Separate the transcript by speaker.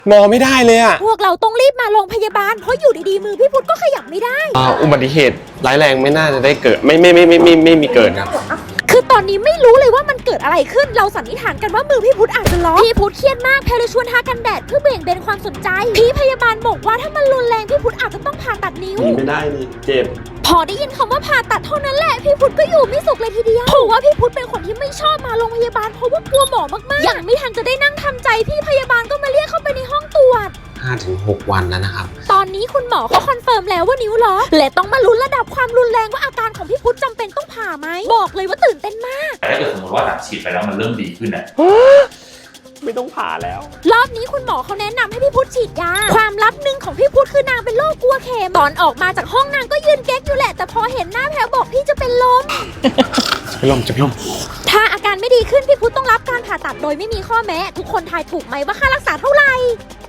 Speaker 1: งอไม่ได้เลยอะ
Speaker 2: พวกเราต้องรีบมาโรงพยาบาลเพราะอยู่ดีๆมือพี่พุทธก็ขยับไม่ได้
Speaker 1: อุบัติเหตุร้ายแรงไม่น่าจะได้เกิดไม่มีเกิดครับ
Speaker 2: คือตอนนี้ไม่รู้เลยว่ามันเกิดอะไรขึ้นเราสันนิษฐานกันว่ามือพี่พุทธอาจจะล็อกพี่พุทธเครียดมากแพรเลยชวนทากันแดดเพื่อเบี่ยงเบนความสนใจพี่พยาบาลบอกว่าถ้ามันรุนแรงพี่พุทธอาจจะต้องผ่าตัดนิ้ว
Speaker 1: ไม่ได้นี่เจ็บ
Speaker 2: พอได้ยินคำว่าผ่าตัดเท่านั้นแหละพี่พุทธก็อยู่ไม่สุขเลยทีเดียวเพราะว่าพี่พุทธเป็นคนที่ไม่ชอบมาโรงพยาบาลเพราะว่ากลัวหมอมากๆยังไม่ทันจะได้นั่งทำใจพี่พยาบาลก็มาเรียกเข้าไปในห้องตรวจ
Speaker 1: 5-6 วันแล้วนะครับ
Speaker 2: ตอนนี้คุณหมอเขาคอนเฟิร์มแล้วว่านิ้วล็อกและต้องมาลุ้นระดับความรุนแรงว่าอาการของพี่พุทธจำเป็นต้องผ่าไหมบอกเลยว่าตื่นเต้นมาก
Speaker 3: แต่ถ้าเกิดสมมติว่าหลังฉีดไปแล้วมันเริ่มดีขึ้นอ่ะ
Speaker 1: ไม่ต้องผ่าแล้ว
Speaker 2: รอบนี้คุณหมอเขาแนะนำให้พี่พุทธฉีดยาความลับหนึ่งของพี่พุทธคือนางเป็นโรคกลัวเข็มตอนออกมาจากห้องนางก็ยืนเก๊กอยู่แหละแต่พอเห็นหน้าแพรบอกพี่จะเป็นลม
Speaker 1: จะเป็นลม
Speaker 2: ถ้าอาการไม่ดีขึ้นพี่พุทธต้องรับการผ่าตัดโดยไม่มีข้อแม้ทุกคนทายถูกไหมว่าค่ารักษาเท่าไหร่